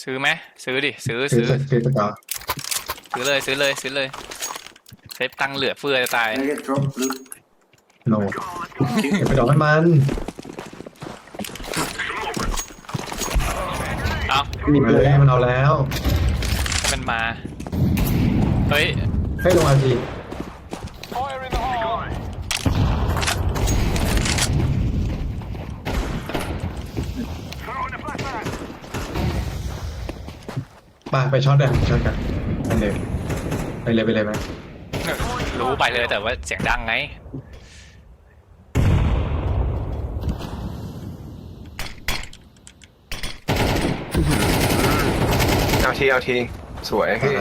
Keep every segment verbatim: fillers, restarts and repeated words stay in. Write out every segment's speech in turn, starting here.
ซื้อไหมซื้อดิซื้อซื้อซื้อซื้อสกอร์ซื้อเลยซื้อเลยซื้อเลยเซฟตังค์เหลือเฟือจะตาย Can I get drop loot? โนเก็บไปดอกให้มันเอามีมาเลยมันเอาแล้วให้มันมาเฮ้ยให้ลงอาทีไปไปช็อตเลยช็อตกันไปเลยไปเลยไปเลยไหมรู้ไปเลยแต่ว่าเสียงดังไงเอาทีเอาทีสวยพี่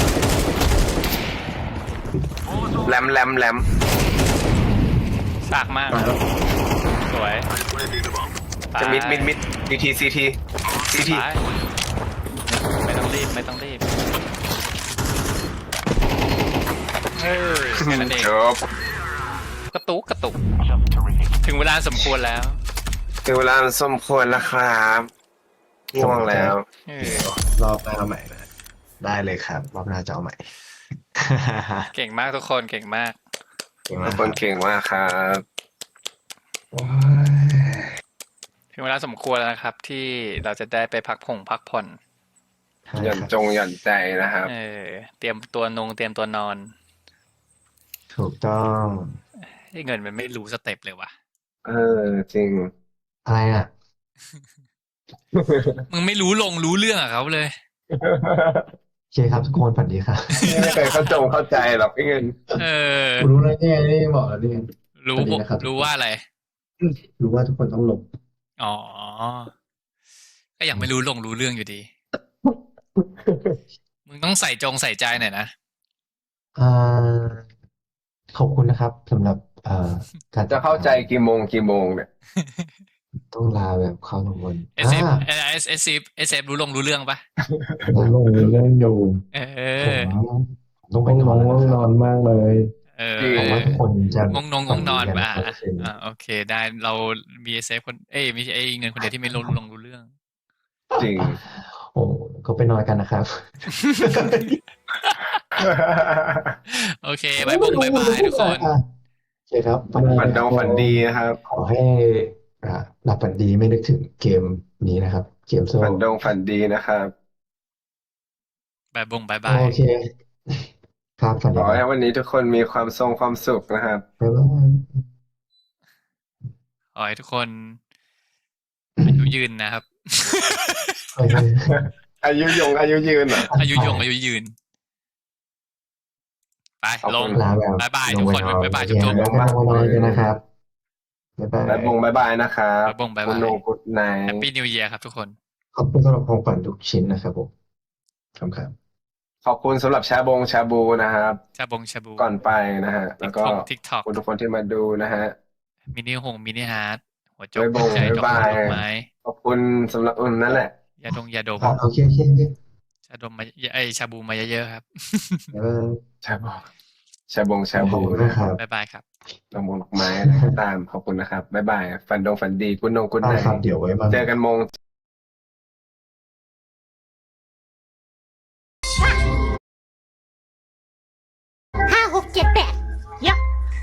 แรมแรมแรมซากมากตายแล้วสวยจะมิดมิดมิดดีทีซีทีซีทีตายไม่ต้องรีบไม่ต้องรีบเฮ้ยแค่นั้นเองจบกระตุกกระตุกถึงเวลาสมควรแล้วถึงเวลาสมควรแล้วครับง่วงแล้วเออรอบหน้าใหม่นะได้เลยครับรอบหน้าจะเอาใหม่เก่งมากทุกคนเก่งมากเก่งทุมากกคนเก่งมากครับว้ายถึงเวลาสมควรแล้วนะครับ ที่เราจะได้ไปพักผ่อนพักผ่อนหย่อนจงหย่อนใจนะครับเออเตรียมตัวนงเตรียมตัวนอนถูกต้องให้เงินมันไม่รู้สเต็ปเลยว่ะเออจริงอะไรอ่ะมึงไม่รู้ลงรู้เรื่องอะเขาเลยโอเคครับทุกคนฝันดีครับไม่เคยเข้าจงเข้าใจหรอกไอ้เงินเออกูรู้แล้วเนี่ยนี่บอกแล้วนี่รู้สวัสดีนะครับรู้ว่าอะไรรู้ว่าทุกคนต้องหลบอ๋อ ก็ยังไม่รู้ลงรู้เรื่องอยู่ดี มึงต้องใส่จงใส่ใจหน่อยนะอ่าขอบคุณนะครับสำหรับเอ่อการจะเข้าใจกี่โมงกี่โมงเนี่ยต้องลาแบบเข้าลงบนเอสเอฟอ่าเอสเอสเอสเอฟรู้ลงรู้เรื่องปะผมลงเรื่องอยู่เอผอมต้องไปต้องนนอนอนแล้วง่วงนะคน รับอนมากเลยเออจริผมว่าทุกคนจะงงนงงงนอนฝัป่ะดีกัอ่าโอเค ได้เรามีเอสเอฟคนเอ้ยมีไอ้เงินคนเดียวที่ไม่รู้ลงรู้เรื่องจริงโอ้ก็ไปนอนกันนะครับโอเคบายบงบายบายทุกคนโอเคครับฝันฝันดงฝันดีนะครับขอให้อ่าหลับฝันดีไม่นึกถึงเกมนี้นะครับ เกมโซ่ฝันดงฝันดีนะครับบายบงบายบายโอเค ครับฝันขดีอคให้รับวันนี้ทุกคนมีความทรงความสุขนะครับบ๊ายบายขอให้ทุกคนอายุยืนนะครับเฮ้ยอายุยงอายุยืนเหรออายุยงอายุยืน ไปขอบลคุงณลาแบบบ๊ายบายลทุงกไปคนนอนบ๊ายบายโอจุ๊เคบจุ๊บแล้วก็ลงมานอนกันนะครับบ๊ายบายบายบงบายบายนะครับบ๊ายบงบ๊ายคุบาณยโนกุดไนแฮปปี้นิวเยียร์ครับทุกคนขอบคุณสำหรับของขวัญทุกชิ้นนะครับผมขอบคุณครับขอบคุณสำหรับชาบงชาบูนะครับชาบงชาบูก่อนไปนะฮะ แล้วก็ทิกท็อกขอบคุณทุกคนที่มาดูนะฮะมินิหงมินิฮาร์ดหัวจกบ๊ายบงใจดอกบ๊ายบายดอกไม้ขอบคุณสำหรับอุ่นนั่นแหละยาดงยาดมอ่ะโอเคโอเคโอเคชาดมมาไอยชาบูมาเยอะๆครับบ๊ายบายชาบงชาบงชาขอบบูคุณนะนะคครับ รับบ๊ายบายครับดอกมงดอกไม้อะไรก็ตาม ขอบคุณนะครับ บ๊ายบาย ฝันดงฝันดีคุณโนกุดไนได้ครับเดี๋ยวไว้มาเจอกันโมง